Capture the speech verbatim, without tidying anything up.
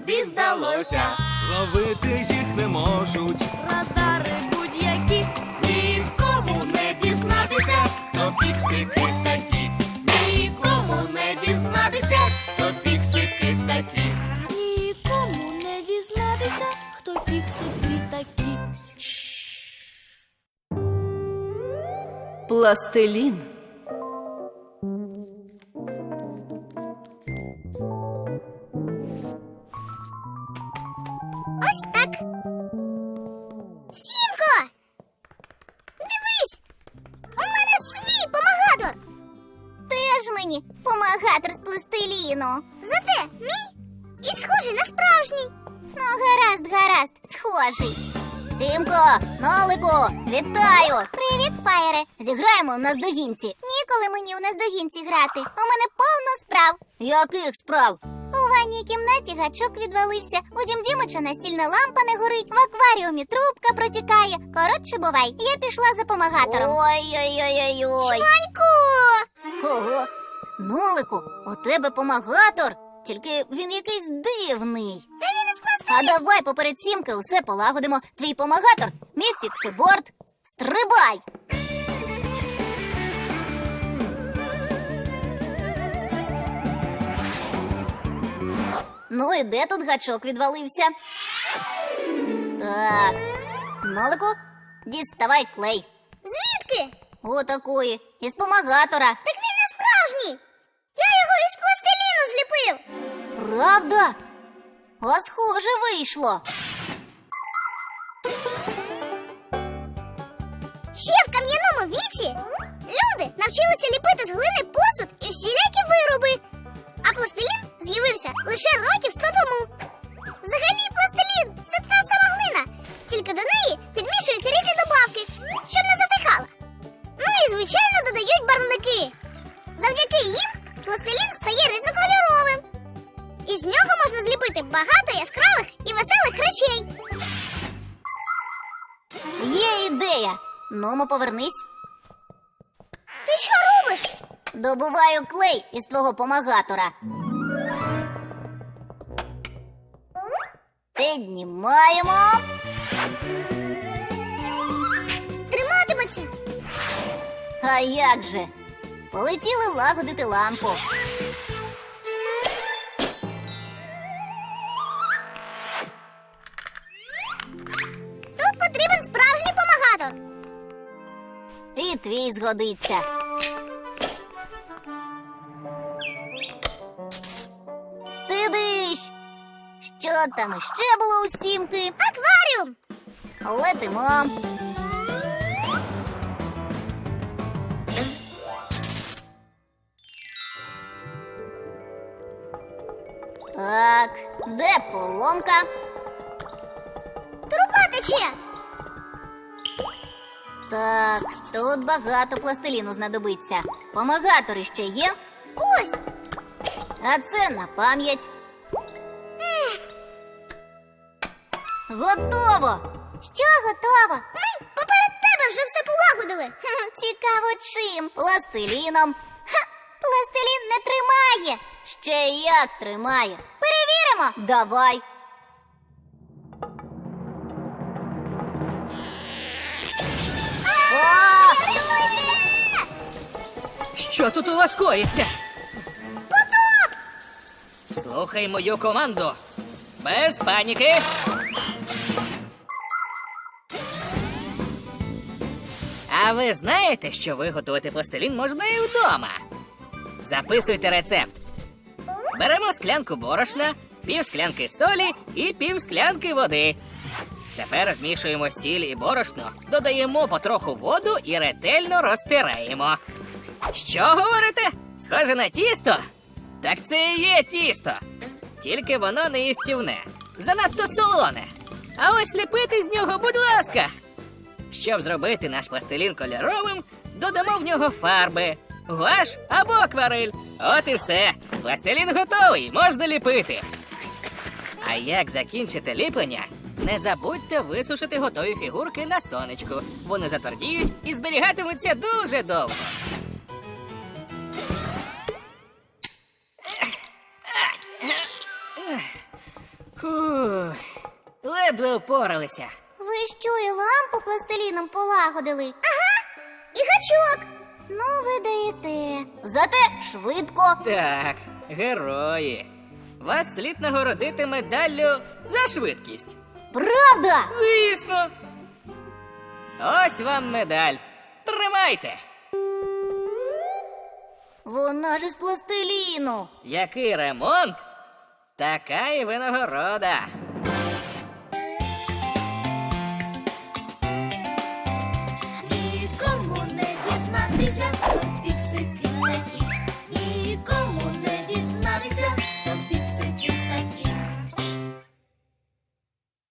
тобі здалося. Ловити їх не можуть. Радари будь-які, нікому не дізнатися, хто фіксики такі. Нікому не дізнатися, хто фіксики такі. Нікому не дізнатися, хто фіксики такі. Пластилін. Ось так. Сімко! Дивись! У мене свій помагатор! Теж мені помагатор з пластиліну. Зате мій і схожий на справжній. Ну, гаразд, гаразд, схожий. Сімко, Нолику, вітаю! Привіт, Фаєре! Зіграємо в наздогінці. Ніколи мені в наздогінці грати. У мене повно справ. Яких справ? У ванній кімнаті гачок відвалився, у Дім Дімича настільна лампа не горить, в акваріумі трубка протікає. Коротше, бувай, я пішла за помагатором. Ой-ой-ой-ой-ой. Шванько! Ого, Нолику, у тебе помагатор? Тільки він якийсь дивний. Та він із пластиліну. А давай поперед Сімки усе полагодимо. Твій помагатор, мій фіксиборд. Стрибай! Ну і де тут гачок відвалився? Так, Нолику, діставай клей. Звідки? Отакої, із помагатора. Так він не справжній. Я його із пластиліну зліпив. Правда? А схоже вийшло. Ще в кам'яному віці люди навчилися ліпити з глини посуд і всілякі вироби. А пластилін з'явився лише років сто тому. Взагалі пластилін – це та сама глина, тільки до неї підмішують різні добавки, щоб не засихала. Ну і, звичайно, додають барвники. Завдяки їм пластилін стає різнокольоровим. Із нього можна зліпити багато яскравих і веселих речей. Є ідея. Нумо, повернись. Ти що робиш? Добуваю клей із твого помагатора. Піднімаємо. Триматиметься. А як же? Полетіли лагодити лампу. Тут потрібен справжній помагатор. І твій згодиться. Ти диш! Що там іще було у Сімки? Акваріум! Летимо. Так, де поломка? Труба тече. Так, тут багато пластиліну знадобиться. Помагатори ще є? Ось. А це на пам'ять. Готово! Що готово? Ми поперед тебе вже все полагодили. Цікаво чим? Пластиліном. Ха! Пластилін не тримає. Ще як тримає. Перевіримо. Давай. А! Рятуйте! Що тут у вас коїться? Потоп! Слухай мою команду. Без паніки. А ви знаєте, що виготовити пластилін можна і вдома? Записуйте рецепт. Беремо склянку борошна, пів склянки солі і пів склянки води. Тепер змішуємо сіль і борошно, додаємо потроху воду і ретельно розтираємо. Що говорите? Схоже на тісто? Так це і є тісто. Тільки воно не їстівне. Занадто солоне. А ось ліпити з нього, будь ласка. Щоб зробити наш пластилін кольоровим, додамо в нього фарби, гуаш або акварель. От і все. Пластилін готовий, можна ліпити. А як закінчите ліплення, не забудьте висушити готові фігурки на сонечку. Вони затвердіють і зберігатимуться дуже довго. Фу, ледве впоралися. Ви що, і лампу пластиліном полагодили? Ага, і гачок. Ну, ви даєте. Зате швидко. Так, герої. Вас слід нагородити медаллю за швидкість. Правда? Звісно. Ось вам медаль. Тримайте. Вона ж із пластиліну. Який ремонт, така і винагорода. Нікому не дізнатися, хто